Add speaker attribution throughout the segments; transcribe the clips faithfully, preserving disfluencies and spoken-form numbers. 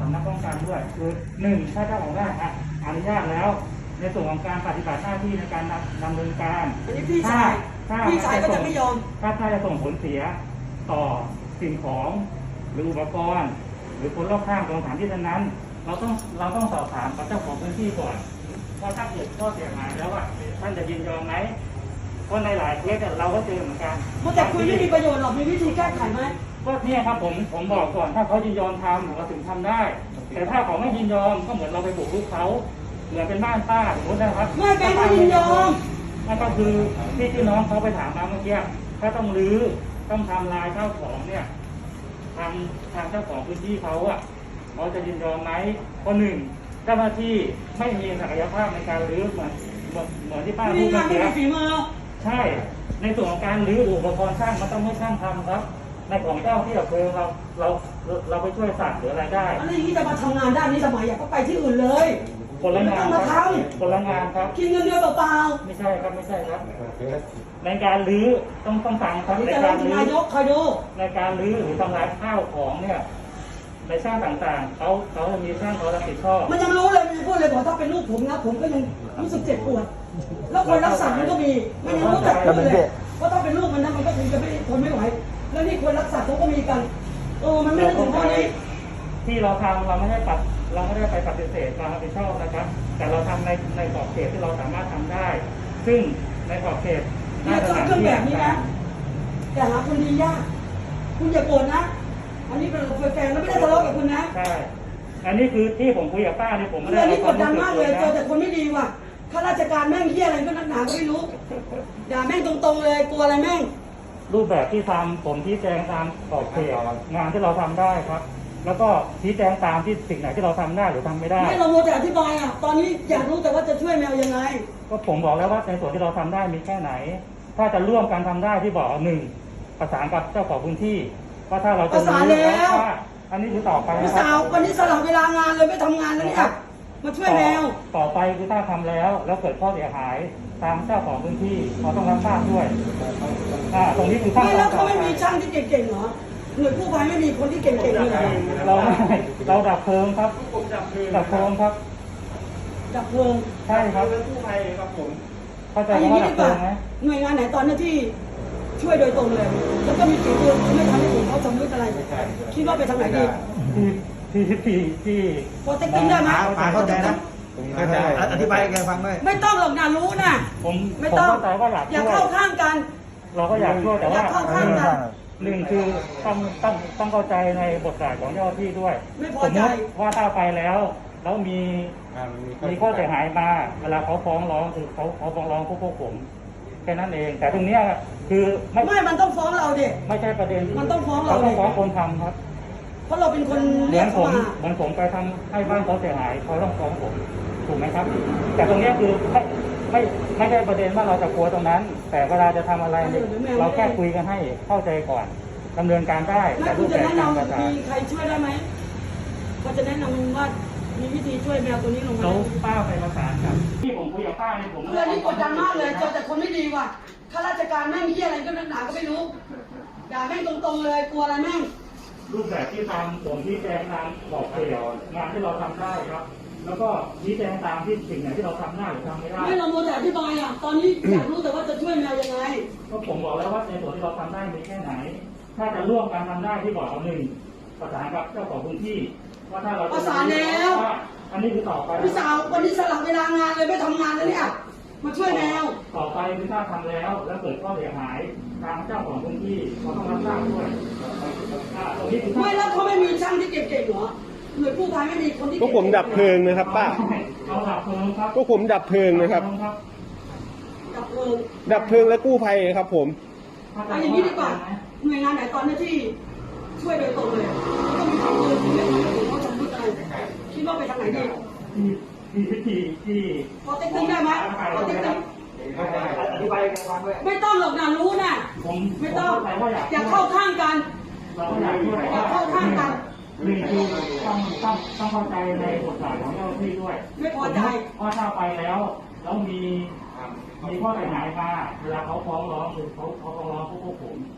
Speaker 1: ำนักป้องกันด้วยคือหนึ่งถ้าเจ้าของบ้านอนุญาตแล้วในส่วนของการปฏิบัติหน้าที่ในการดำเนินการ
Speaker 2: อันนี้พี่ชายพี่ชายก็จะไม่ยอม
Speaker 1: ถ้าถ้าจะส่งผลเสียต่อสิ่งของหรืออุปกรณ์หรือคนรอบข้างตรงสถานที่นั้นเราต้องเราต้องสอบถามกับเจ้าของพื้นที่ก่อนว่าถ้าเกิดข้อเสียหายแล้วอ่ะท่านจะยินยอมไหมเพราะในหลายเคสเราก็เจอเหมือนกัน
Speaker 2: แต่คุยไม่มีประโยชน์หรอกมีวิธีแก้ไขไหม
Speaker 1: ก็เนี่ยครับผมผมบอกก่อนถ้าเขายินยอมทำเราถึงทำได้แต่ถ้าเขาไม่ยินยอมก็เหมือนเราไปบุกรุกเขาเหมือนเป็นบ้านป้าสมมตินะครับ
Speaker 2: ไม่แกไม่ยินยอม
Speaker 1: นั่นก็คือที่ที่น้องเขาไปถามมาเมื่อกี้ถ้าต้องรื้อต้องทำลายข้าวของเนี่ยทางทางเจ้าของพื้นที่เขาอ่ะเขาจะยินยอมไหมข้อหนึ่งเจ้าหน้าที่ไม่มีศักยภาพในการรื้อเหมือนเหมือนเหมือนที่ป้าพูดเมื่อกี้ใช่ในส่วนของการรื้ออุปกรณ์ช่างมันต้องให้ช่างทำครับในของเจ้าที่ดับเพลิงเราเราเราไปช่วยสั่งหรืออะไรได้
Speaker 2: อันนี้จะมาทำงานด้านนี้สมัยอยากก็ไปที่อื่นเลย
Speaker 1: คนละงานครับคนละงานครับ
Speaker 2: กินเงินเดือนเปล่า
Speaker 1: ๆไม่ใช่ครับไม่ใช่ครับในการรื้อต้องต้องสั่งครับ
Speaker 2: ในการรื้อนายกคอยดู
Speaker 1: ในการรื้อหรือทำลายข้าวของเนี่ยในช่างต่างๆเขาเขาจะมีช่างเขารับผิดชอบ
Speaker 2: มันยังรู้เลยมันพูดเลยบอกถ้าเป็นลูกผมนะผมก็ยังรู้สึกเจ็บปวดแล้วคนรักษามันก็มีมันยังรู้จักเลยว่าถ้าเป็นลูกมันนะมันก็คงจะไม่ทนไม่ไหวแล้วนี่คนรักษาเขาก็มีกันเออมันไม่ได้ถึงข้อนี้
Speaker 1: ที่เราทำเราไม่ได้ปัดเราไม่ได้ไปปฏิเสธความรับผิดชอบนะครับแต่เราทำในในขอบเขตที่เราสามารถทำได้ ซึ่งในขอบเขต
Speaker 2: เนี่ยเครื่องแบบนี้นะแต่หาคนดียากคุณอย่าโกรธนะอันนี้เป็นแฟนแล้วไม่ได้ทะเลาะกับคุณนะ
Speaker 1: ใช่อันนี้คือที่ผมคุยกับป้าเนี่ยผมไม่ได้
Speaker 2: อันนี้กดดันมากเลยเจอแต่คนไม่ดีว่ะข้าราชการแม่งเหี้ยอะไรก็นักหนาก็ไม่รู้ด่าแม่งตรงๆเลยกลัวอะไรแม่ง
Speaker 1: รูปแบบที่ทำผมชี้แจงตามขอบเขตงานที่เราทำได้ครับแล้วก็ชี้แจงตามที่สิ่งไหนที่เราทำได้หรือทำไม่ได้
Speaker 2: ไม่เราโมแต่อธิบายอ่ะตอนนี้อยากรู้แต่ว่าจะช่วยแมวยังไง
Speaker 1: ก็ผมบอกแล้วว่าในส่วนที่เราทำได้มีแค่ไหนถ้าจะร่วมกันทำได้ที่บอกหนึ่งประสานกับเจ้าของพื้นที่ว่าถ้าเราจะ
Speaker 2: ประสานแล้ว
Speaker 1: อันนี้คือต่อไป
Speaker 2: พี่สาววันนี้สลับเวลางานเลยไม่ทำงานแล้วเนี่ยมาช่วยแมว
Speaker 1: ต่อไปคือถ้าทำแล้วแล้วเกิดข้อเสียหายทางเจ้าของพื้นที่เขาต้องรับทราบด้วยอ่าตรงนี้คือขั้นตอน
Speaker 2: ไม่แล้วเขาไม่มีช่างที่เก่งๆเหรอหน่วยกู้ภัยไม่มีคนที่เก่งๆเลย
Speaker 1: เราเราดับเพลิงครับดับเพลิงครับ
Speaker 2: ดับเพลิง
Speaker 1: ใช่ครับ
Speaker 3: กู้ภัยครับผม
Speaker 1: เข้าใจว่าดับเพลิงไหม
Speaker 2: หน่วยงานไหนตอนนี้ที่ช่วยโดยตรงเลยแล้วก็มีฝีมือไม่ทำให้ผมเขาสำนึกอะไรคิดว่าไปทางไหนดี
Speaker 1: ที่ที่ที่ที่
Speaker 2: พอเต็กตึ้งได้ไหม
Speaker 3: เข้าใจนะอธิบายแกฟังด้วย
Speaker 2: ไม่ต้องหรอกนะรู้นะ
Speaker 1: ผม
Speaker 2: ไม่ต้อง
Speaker 1: อยาก
Speaker 2: อยากเข้าข้างกัน
Speaker 1: เราก็อยากช่วยแต่ว่า
Speaker 2: เข้าข้างกัน
Speaker 1: หนึ่งคือต้องต้องต้องเข้าใจในบทบาทของเจ้าหน้าที่ด้วย
Speaker 2: ไม่พอใจ
Speaker 1: ว่าถ้าไปแล้วแล้วมีมีข้อเสียหายมาเวลาเขาฟ้องร้องคือเขาเขาฟ้องร้องพวกพวกผมแค่นั้นเองแต่ตรงนี้คือ
Speaker 2: ไม่ไม่มันต้องฟ้องเราดิ
Speaker 1: ไม่ใช่ประเด็น
Speaker 2: มันต้องฟ้องเรา
Speaker 1: ต้องฟ้องคนทำครับ
Speaker 2: เพราะเราเป็นคน
Speaker 1: เลี้ยงผมเหมือนผมไปทำให้บ้านเขาเสียหายเขาต้องฟ้องผมถูกไหมครับแต่ตรงนี้คือไม่ไม่ไม่ใช่ประเด็นว่าเราจะกลัวตรงนั้นแต่เวลาจะทำอะไรเราแค่คุยกันให้เข้าใจก่อนดำเนินการได้
Speaker 2: แต่รูปแบบการกระทำมีใครช่วยได้ไหมก็จะแนะนำว่ามีวิธีช่วยแมวตัวนี้ลงมา
Speaker 1: เขาป้าไปประสานครับที่ผมคุยกับป้าเนี่ยผม
Speaker 2: เรื่องนี้กดดันมากเลยเจอแต่คนไม่ดีว่ะข้าราชการแม่งเหี้ยอะไรก็นักหนาก็ไม่รู้ด่าแม่งตรงๆเลยกลัวอะไรแม่ง
Speaker 1: รูปแบบที่ทำผมชี้แจงตามบอกเขตงานที่เราทำได้ครับแล้วก็ชี้แจงตามที่สิ่งไหนที่เราทำได้หรือทำไม่ได้
Speaker 2: ไม่เราโมแต่อธิบายอ่ะตอนนี้อยากรู้แต่ว่าจะช่วยแมวยังไง
Speaker 1: ก็ผมบอกแล้วว่าในส่วนที่เราทำได้มีแค่ไหนถ้าจะร่วมกันทำได้ที่บอกเอาหนึ่งประสานกับเจ้าของพื้นที่ว่าถ้าเรา
Speaker 2: ประสานแล้ว
Speaker 1: อันนี้คือต่อไป
Speaker 2: พี่สาววันนี้สลับเวลางานเลยไม่ทำงานแล้วเนี่ยมาช่วยแมว
Speaker 1: ต่อไปคือถ้าทำแล้วแล้วเกิดข้อเสียหายทางเจ้าของพื้นที่เขาต้องรับทราบด้วย
Speaker 2: ไม่แล้วเขาไม่มีช่างที่เก่งๆเหรอหน่วยกู้ภัยไม่มีคนที่
Speaker 3: พวกผมดับเพลิงนะครับป้า
Speaker 1: เราดับเพลิงครับ
Speaker 3: พวกผมดับเพลิงนะครับ
Speaker 2: ดับเพลิง
Speaker 3: ดับเพลิงและกู้ภัยครับผม
Speaker 2: เอาอย่างนี้ดีกว่าหน่วยงานไหนตอนนี้ที่ช่วยโดยตรงเลยก็มีฝีมือที่ไม่ทำให้ผมเขาสำนึกอะไรคิดว่าไปทางไหนดี
Speaker 1: ที่ที่ที่
Speaker 2: พอเต็กตึ้งได้ไหมพอเต็กตึ้ง
Speaker 1: อธิบายกันฟังด้วย
Speaker 2: ไม่ต้องหรอกนะรู้นะไม่ต้องอยากเข้าข้างกันอยากเข้าข้างกัน
Speaker 1: หนึ่งคือต้องต้องต้องเข้าใจในบทบาทของเจ้าหน้าที่ด้วย
Speaker 2: ไม่พอใจ
Speaker 1: ว่าถ้าไปแล้วแล้วมีมีข้อเสียหายมาเวลาเขาฟ้องร้องคือเขาเขาฟ้องร้องพวกพวกผมแ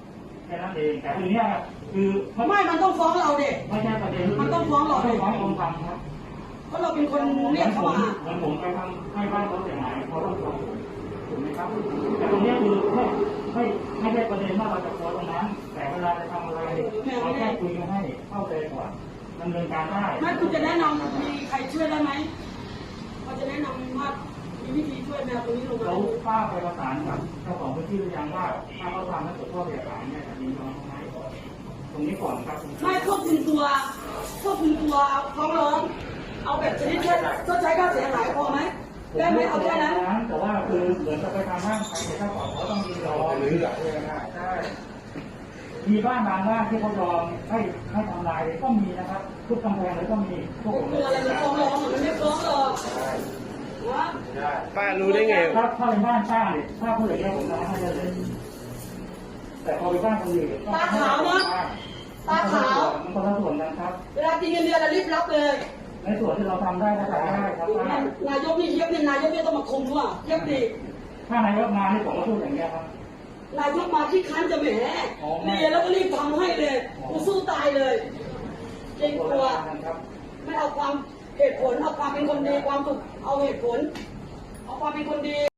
Speaker 1: แค่นั้นเองแต่ทีเนี้ยคือ
Speaker 2: ไม่ มันต้องฟ้องเราเด็ก
Speaker 1: ไม่ใช่ประเด็น
Speaker 2: มันต้องฟ้องเรา
Speaker 1: ไม่ฟ้ององค์ธรรมครับ
Speaker 2: เพราะเราเป็นคนเรียกเขามา
Speaker 1: เหมือนผมไปทำให้บ้านเขาเสียหายเขาต้องฟ้องผมถูกไหมครับแต่ตรงเนี้ยคือไม่ไม่ไม่ใช่ประเด็นว่าเราจะฟ้องตรงนั้น แต่เวลาจะทำอะไรเราแค่คุยกันให้เข้าใจก่อนดำเนินการได้
Speaker 2: ไม่คุณจะแนะนำมีใครช่วยได้ไหมเขาจะแนะนำว่ามีวิธีช่วยแมวตัวนี้ลงมา
Speaker 1: เราป้าไปประสานกับเจ้าของพื้นที่หรือยังว่าถ้าเขาทำให้เกิดข้อเสียหายเนี่ยจะยินยอมไหมตรงนี้ก่อนครับ
Speaker 2: ไม่ควบคุมตัวควบคุมตัวฟ้องร้องเอาแบบชนิดแค่ชดใช้ค่าเสียหายพอไหมได้ไหมเอาแค่นั้น
Speaker 1: แต่ว่าคือเหมือนจะไปทำห้างขายเจ้าของเขาต้องยินยอมหรือแบบใช่มีบ้านบางบ้านที่เขายอมให้ให้ทำลายก็มีนะครับทุกกำแพงเลยก็มีพวกผม
Speaker 2: ตัวอะไรมันฟ้องร้องมันไม่ฟ้องหรอกนะ
Speaker 3: ป้ารู้ได้ไง
Speaker 1: ถ้าถ้าเป็นบ้านป้าเนี่ยถ้าผู้ใหญ่เนี่ยผมทำให้ได้เลย แต่พอไปบ้านคนอื่น
Speaker 2: ตาขาวนะตาขาว
Speaker 1: มันคนละส่วนกันครับ
Speaker 2: เวลากินเงินเดือนเรารีบรับเลย
Speaker 1: ในส่วนที่เราทำได้ก็ทำได้ครับป้าน
Speaker 2: ายกนี่เย็บเนี่ยนายกเนี่ยต้องมาคุมด้วยเย็บดี
Speaker 1: ถ้านายกมานี่ผมก็พูดอย่างเงี้ยครับ
Speaker 2: นายกมาที่คันจะแหมเรียนแล้วก็รีบทำให้เลยกูสู้ตายเลยเกรงกลัว
Speaker 1: ครับ
Speaker 2: ไม่เอาความเหตุผลเอาความเป็นคนดีความถูกเอาเหตุผลเอาความเป็นคนดี